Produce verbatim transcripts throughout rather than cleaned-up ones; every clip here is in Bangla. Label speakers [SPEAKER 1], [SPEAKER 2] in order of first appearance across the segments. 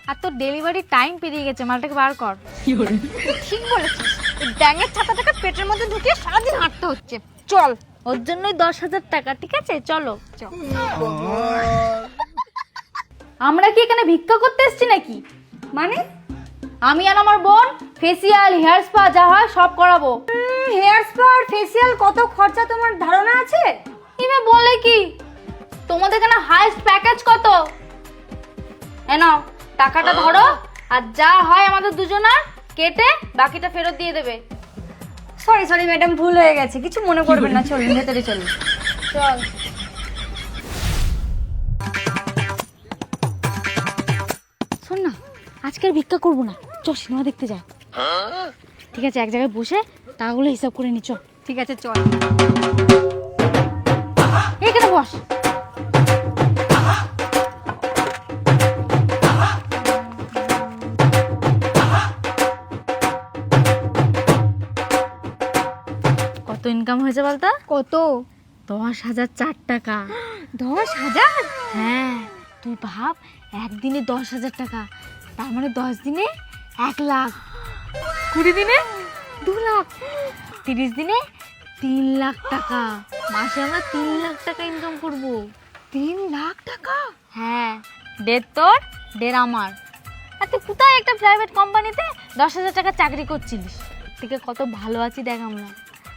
[SPEAKER 1] আর তোর ডেলিভারি টাইম পেরিয়ে গেছে, মালটাকে বার কর। ঠিক বলেছিস, এই ব্যাঙের ছাতাটাকে পেটের মধ্যে ঢুকিয়ে সারাদিন হাঁটতে হচ্ছে। চল, ওর জন্যই দশ হাজার টাকা। ঠিক আছে, চলো। চল। আমরা কি এখানে ভিক্ষা করতে এসেছি নাকি? মানে আমি আর আমার বোন ফেসিয়াল, হেয়ার স্পা যা হয় সব করাবো। হেয়ার স্পা আর ফেসিয়াল কত খরচা তোমার ধারণা আছে? ইমে বলে কি, তোমাদের এখানে হাইস্ট প্যাকেজ কত? এ নাও টাকাটা ধরো, আর যা হয় আমাদের দুজনার কেটে বাকিটা ফেরত দিয়ে দেবে। সরি সরি ম্যাডাম, ভুল হয়ে গেছে, কিছু মনে করবেন না। চলুন ভেতরে চলুন। চল। শোন না, আজকের ভিক্ষা করবো না, চল সিনেমা দেখতে যাই। ঠিক আছে, এক জায়গায় বসে টাকাগুলো হিসাব করে নি। চল। ঠিক আছে, চল। এখানে বস। কত ইনকাম হয়েছে বলতো? কত? দশ হাজার চার টাকা। দশ হাজার? হ্যাঁ, তুই ভাব, একদিনে দশ হাজার টাকা, তার মানে দশ দিনে এক লাখ, কুড়ি দিনে দু লাখ, তিরিশ দিনে তিন লাখ টাকা। মাসে আমরা তিন লাখ টাকা ইনকাম করব। তিন লাখ টাকা? হ্যাঁ, দেড় তোর দেড় আমার। আর তুই কোথায় একটা প্রাইভেট কোম্পানিতে দশ হাজার টাকা চাকরি করছিলিস? থেকে কত ভালো আছি দেখ আমরা।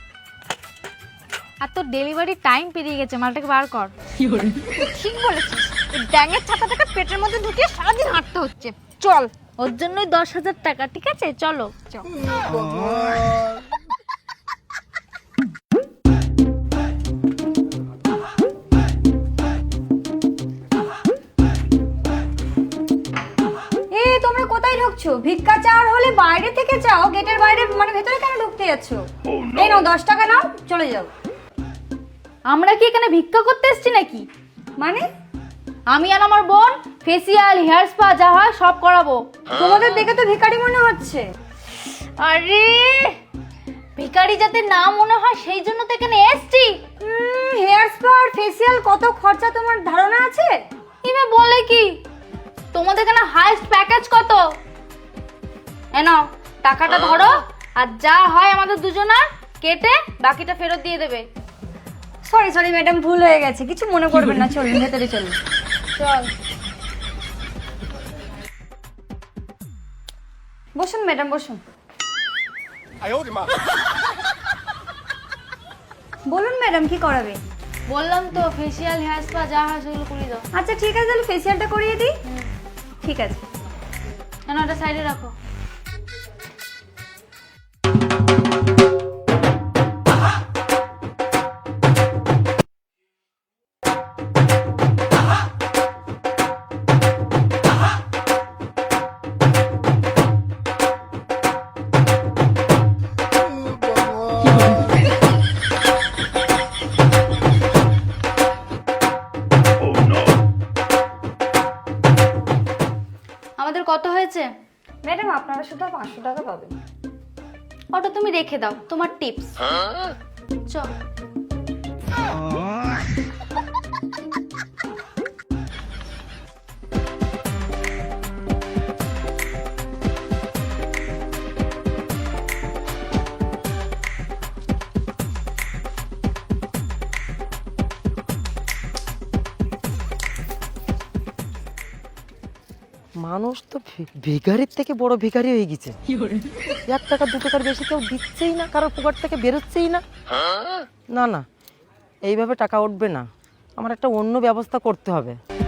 [SPEAKER 1] আর তোর ডেলিভারি টাইম পেরিয়ে গেছে, মালটাকে বার কর। ঠিক বলেছিস, এই ব্যাঙের ছাতাটাকে পেটের মধ্যে ঢুকিয়ে সারাদিন হাঁটতে হচ্ছে। চল, ওর জন্যই দশ হাজার টাকা। ঠিক আছে, চলো। চল। এই তোমরা কোথায় ঢুকছো? ভিক্ষা চাওয়ার হলে বাইরে থেকে চাও, গেটের বাইরে, মানে ভেতরে কেন ঢুকতে যাচ্ছো? এই নাও দশ টাকা নাও, চলে যাও। আমরা কি এখানে ভিক্ষা করতে এসেছি নাকি? মানে আমি আর আমার বোন ফেসিয়াল, হেয়ার স্পা যা হয় সব করাবো। তোমাদের দেখে তো ভিখারি মনে হচ্ছে। আরে ভিখারি যাতে না মনে হয় সেই জন্য তো এখানে এসেছি। হেয়ার স্পা আর ফেসিয়াল কত খরচা তোমার ধারণা আছে? ইমে বলে কি, তোমাদের এখানে হাইস্ট প্যাকেজ কত? এ নাও টাকাটা ধরো, আর যা হয় আমাদের দুজনার কেটে বাকিটা ফেরত দিয়ে দেবে। সরি সরি ম্যাডাম, ভুল হয়ে গেছে, কিছু মনে করবেন না। চলুন ভেতরে চলুন। চল। বসুন ম্যাডাম, বসুন। বলুন ম্যাডাম, কি করাবে? বললাম তো ফেসিয়াল, হেয়ার স্পা যা হয় সেগুলো করিয়ে দাও। আচ্ছা ঠিক আছে, তাহলে ফেসিয়ালটা করিয়ে দিই। ঠিক আছে, কেন ওটা সাইডে রাখো। আমাদের কত হয়েছে? ম্যাডাম আপনারা শুধু পাঁচশো টাকা পাবেন। ওটা তুমি রেখে দাও, তোমার টিপস। চল।
[SPEAKER 2] মানুষ তো ভিখারির থেকে বড় ভিখারি হয়ে গেছে। এক টাকা দু টাকার বেশি কেউ দিচ্ছেই না, কারোর পকেট থেকে বেরোচ্ছেই না। না না, এইভাবে টাকা উঠবে না, আমার একটা অন্য ব্যবস্থা করতে হবে।